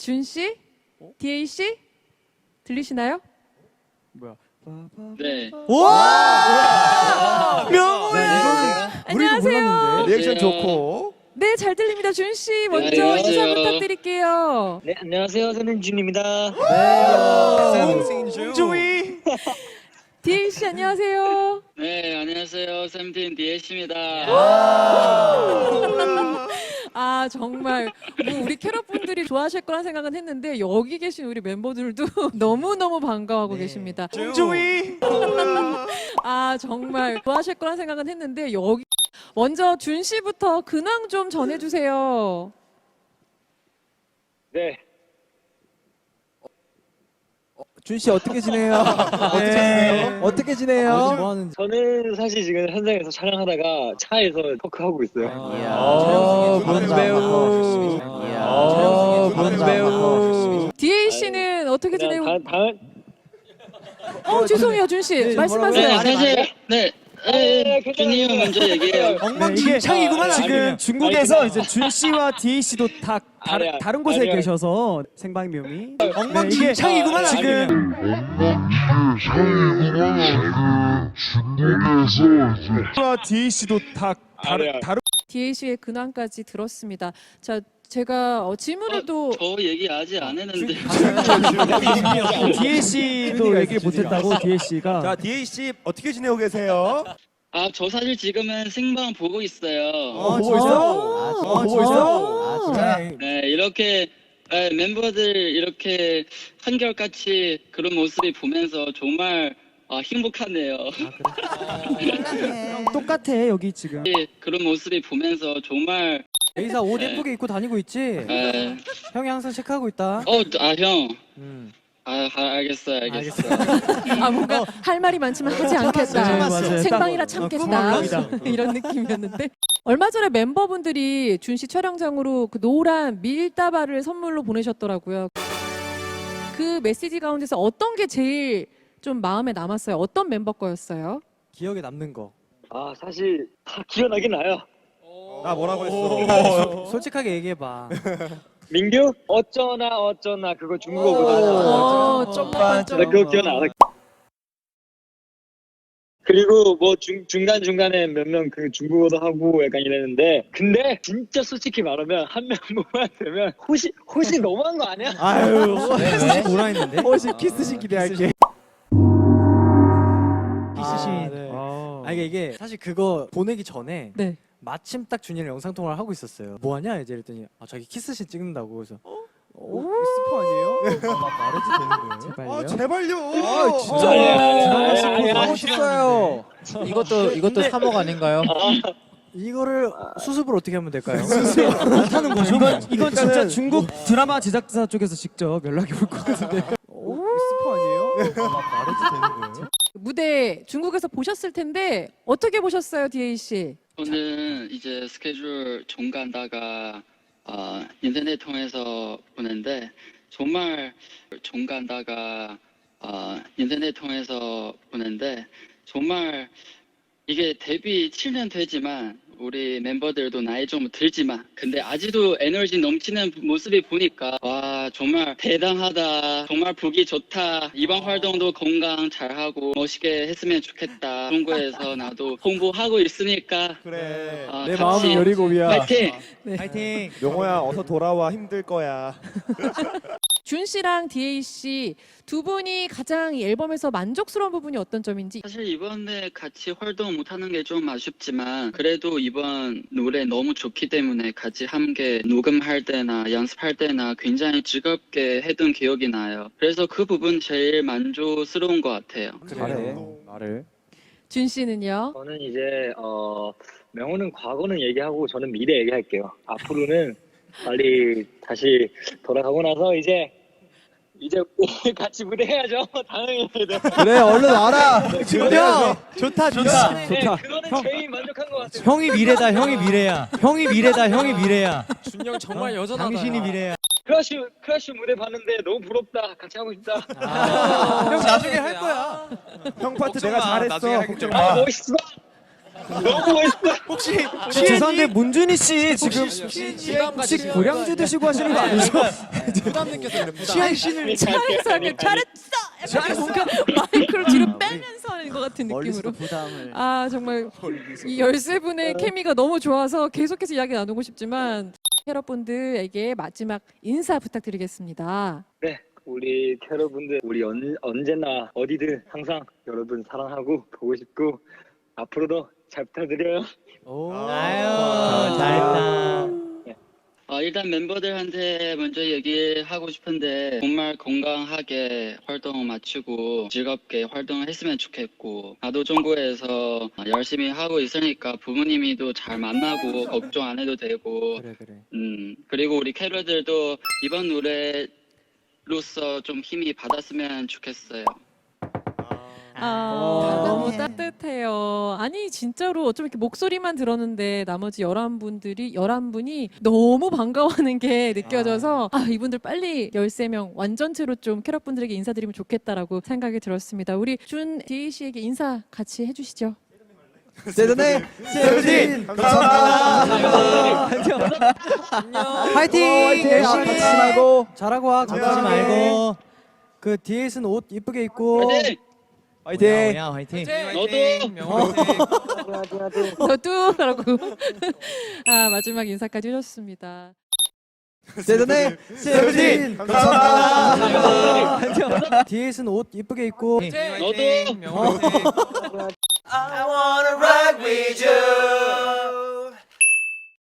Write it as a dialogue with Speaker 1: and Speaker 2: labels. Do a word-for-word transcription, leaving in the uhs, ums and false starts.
Speaker 1: 준 씨? 디에이 씨? 들리시나요?
Speaker 2: 뭐야?
Speaker 3: 네.
Speaker 2: 와! 명호야!
Speaker 1: 안녕하세요.
Speaker 2: 리액션 좋고.
Speaker 1: 네, 잘 들립니다. 준 씨 먼저
Speaker 3: 안녕하세요.
Speaker 1: 인사 부탁드릴게요.
Speaker 4: 네, 안녕하세요. 저는 준입니다.
Speaker 2: 네. 홍조이.
Speaker 1: 디에이 씨 안녕하세요.
Speaker 3: 네, 안녕하세요. 세븐틴 디에이씨입니다.
Speaker 1: 아 정말 뭐 우리 캐럿 분들이 좋아하실 거란 생각은 했는데 여기 계신 우리 멤버들도 너무 너무 반가워하고 계십니다.
Speaker 2: 홍조이.
Speaker 1: 아 정말 좋아하실 거란 생각은 했는데 여기 먼저 준 씨부터 근황 좀 전해주세요.
Speaker 4: 네.
Speaker 5: 준 씨 어떻게 지내요? 어떻게 지내요? 어떻게 지내요? 뭐 하는지.
Speaker 4: 저는 사실 지금 현장에서 촬영하다가 차에서 토크하고 있어요.
Speaker 5: 어, 문 배우. 어, 문 배우.
Speaker 1: 디에이 씨는 어떻게 지내고?
Speaker 4: 다, 다음
Speaker 1: 어 죄송해요 준 씨
Speaker 4: 네,
Speaker 1: 말씀하세요.
Speaker 3: 네, 사실 네, 네, 준이 형 먼저 얘기해요.
Speaker 2: 엉망진창이구만.
Speaker 4: 아,
Speaker 2: 지금
Speaker 4: 아니면-
Speaker 2: 중국에서
Speaker 4: 아니구나.
Speaker 2: 이제 준 씨와 디에이 씨도 다 다른
Speaker 4: 아니야,
Speaker 2: 다른 곳에
Speaker 4: 아니야.
Speaker 2: 계셔서 생방묘미. 엉망진창이구만.
Speaker 4: 아,
Speaker 2: 지금 와 디에이 씨도 다 다른
Speaker 4: 아니야.
Speaker 2: 다른
Speaker 1: 디에이 씨의 근황까지 들었습니다. 자 제가 어, 질문을 또
Speaker 3: 저 얘기 아직 안 했는데.
Speaker 2: 디에이 씨도 얘기를 못했다고 디에이 씨가.
Speaker 6: 자, 디에이 씨 어떻게 지내고 계세요?
Speaker 3: 아, 저 사실 지금은 생방 보고 있어요.
Speaker 2: 어, 보고 있어? 어, 보고 있어?
Speaker 3: 네, 이렇게 네, 멤버들 이렇게 한결같이 그런 모습이 보면서 정말 아, 행복하네요.
Speaker 2: 똑같아 여기 지금.
Speaker 3: 그런 모습이 보면서 정말
Speaker 5: 에이사 옷
Speaker 3: 네.
Speaker 5: 예쁘게 입고 다니고 있지?
Speaker 3: 네.
Speaker 5: 형이 항상 체크하고 있다.
Speaker 3: 어, 아 형.
Speaker 5: 음.
Speaker 3: 아, 아, 알겠어요, 알겠어요.
Speaker 1: 아 뭔가 할 말이 많지만 하지 않겠다.
Speaker 2: 네, 맞아요.
Speaker 1: 생방이라
Speaker 2: 어,
Speaker 1: 참겠다.
Speaker 2: 구멍갑니다.
Speaker 1: 이런 느낌이었는데 얼마 전에 멤버분들이 준 씨 촬영장으로 그 노란 밀다발을 선물로 보내셨더라고요. 그 메시지 가운데서 어떤 게 제일 좀 마음에 남았어요? 어떤 멤버 거였어요?
Speaker 5: 기억에 남는 거.
Speaker 4: 아, 사실 다 기억나긴 나요.
Speaker 6: 나 뭐라고 했어?
Speaker 5: 솔직하게 얘기해봐.
Speaker 4: 민규? 어쩌나 어쩌나 그거 중국어거든.
Speaker 1: 어, 좀만
Speaker 4: 나 그거 기억나. 그리고 뭐 중, 중간중간에 몇 명 그 중국어도 하고 약간 이랬는데 근데 진짜 솔직히 말하면 한 명만 되면 호시 호시 너무한 거 아니야?
Speaker 2: 아유,
Speaker 5: 왜? 뭐라 했는데?
Speaker 2: 혹시 키스신 기대할게.
Speaker 5: 키스신. 아, 네.
Speaker 2: 아,
Speaker 5: 아 이게, 이게 사실 그거 보내기 전에
Speaker 1: 네.
Speaker 5: 마침 딱 준이랑 영상 통화를 하고 있었어요. 뭐 하냐 이제 이랬더니 아 자기 키스신 찍는다고 그래서
Speaker 2: 오, 스포 아니에요?
Speaker 5: 말해도 되는 거예요?
Speaker 6: 아,
Speaker 2: 제발요.
Speaker 6: 제발요.
Speaker 2: 아,
Speaker 6: 진짜.
Speaker 4: 아니야.
Speaker 5: 싶어요.
Speaker 7: 이것도 이것도 삼억 아닌가요?
Speaker 5: 이거를 수습을 어떻게 하면 될까요?
Speaker 2: 못하는 거죠? 이건 이건 진짜 중국 드라마 제작사 쪽에서 직접 연락이 올 것 같은데. 오, 스포 아니에요?
Speaker 5: 말해도 되는 거예요?
Speaker 1: 무대 중국에서 보셨을 텐데 어떻게 보셨어요, 디에이 씨?
Speaker 3: 저는 이제 스케줄 종간다가 어, 인터넷 통해서 보는데 정말 종간다가 어, 인터넷 통해서 보는데 정말 이게 데뷔 칠 년 되지만 우리 멤버들도 나이 좀 들지만 근데 아직도 에너지 넘치는 모습이 보니까 와 정말 대단하다 정말 보기 좋다 이번 활동도 건강 잘하고 멋있게 했으면 좋겠다 그런 거에서 나도 홍보하고 있으니까
Speaker 6: 그래.
Speaker 3: 아,
Speaker 2: 내
Speaker 3: 같이
Speaker 2: 마음은 열이고비야.
Speaker 3: 파이팅!
Speaker 5: 파이팅!
Speaker 6: 용호야, 어서 돌아와. 힘들 거야.
Speaker 1: 준 씨랑 디에이 씨 두 분이 가장 이 앨범에서 만족스러운 부분이 어떤 점인지.
Speaker 3: 사실 이번에 같이 활동 못하는 게 좀 아쉽지만 그래도 이번 노래 너무 좋기 때문에 같이 함께 녹음할 때나 연습할 때나 굉장히 즐겁게 했던 기억이 나요. 그래서 그 부분 제일 만족스러운 것 같아요.
Speaker 5: 잘해. 말을.
Speaker 1: 준 씨는요?
Speaker 4: 저는 이제 어 명호는 과거는 얘기하고 저는 미래 얘기할게요. 앞으로는 빨리 다시 돌아가고 나서 이제 이제 같이 무대 해야죠. 당연히.
Speaker 5: 그래 얼른 와라. 준영 좋다 좋다.
Speaker 4: 네,
Speaker 5: 좋다.
Speaker 4: 그거는 제일 만족한 것 같아요.
Speaker 5: 형이 미래다 형이 미래야. 형이 미래다 형이 미래야.
Speaker 7: 준영 정말 여전하다.
Speaker 5: 당신이 미래야.
Speaker 4: 크러쉬 크러쉬 무대 봤는데 너무 부럽다. 같이 하고 싶다.
Speaker 5: 형 나중에 할 거야.
Speaker 6: 형 파트 내가 잘했어. 걱정
Speaker 4: 아
Speaker 6: 마.
Speaker 4: 멋있어. 너무 멋있어.
Speaker 6: 혹시
Speaker 2: 저 죄송한데 문준희 씨 지금
Speaker 7: 부담
Speaker 2: 혹시
Speaker 7: 가지시는
Speaker 2: 고량주 드시고 하시는 거 아니죠?
Speaker 7: 부담 느껴서 그래. 부담.
Speaker 1: 취한 씨는 차에서 이렇게 잘했어. 약간 뭔가 마이크를 뒤로 빼면서 하는 것 같은
Speaker 5: 멀리서도
Speaker 1: 느낌으로.
Speaker 5: 부담을.
Speaker 1: 아 정말 이 열세 분의 케미가 너무 좋아서 계속해서 이야기 나누고 싶지만 캐럿분들에게 마지막 인사 부탁드리겠습니다.
Speaker 4: 네, 우리 캐럿분들 우리 언, 언제나 어디든 항상 여러분 사랑하고 보고 싶고 앞으로도 잘 부탁드려요.
Speaker 7: 아유, 잘했다.
Speaker 3: 어, 일단 멤버들한테 먼저 얘기하고 싶은데 정말 건강하게 활동 마치고 즐겁게 활동을 했으면 좋겠고 나도 중국에서 열심히 하고 있으니까 부모님이도 잘 만나고 걱정 안 해도 되고
Speaker 2: 그래 그래.
Speaker 3: 음 그리고 우리 캐럿들도 이번 노래로서 좀 힘이 받았으면 좋겠어요.
Speaker 1: 아, 너무 따뜻해요. 아니 진짜로 어쩜 이렇게 목소리만 들었는데 나머지 열한 분들이 열한 분이 너무 반가워하는 게 느껴져서 아, 이분들 빨리 열세 명 완전체로 좀 캐럿 분들에게 인사드리면 좋겠다라고 생각이 들었습니다. 우리 준 디에이 씨에게 인사 같이 해주시죠.
Speaker 5: 세븐틴 세븐틴 감사합니다.
Speaker 2: 파이팅!
Speaker 5: 열심히 다치지 말고
Speaker 2: 잘하고 와.
Speaker 5: 다치지 말고
Speaker 2: 그 디에이는 옷 이쁘게 입고.
Speaker 3: 화이팅!
Speaker 5: 화이팅.
Speaker 7: 야, 화이팅.
Speaker 3: 너도
Speaker 1: 저도 라고 아, 마지막 인사까지 해줬습니다.
Speaker 5: 세븐틴 세븐틴 감사합니다.
Speaker 2: 디에이는 옷 이쁘게 입고.
Speaker 3: 너도
Speaker 7: 화이팅.
Speaker 5: I wanna rock with you.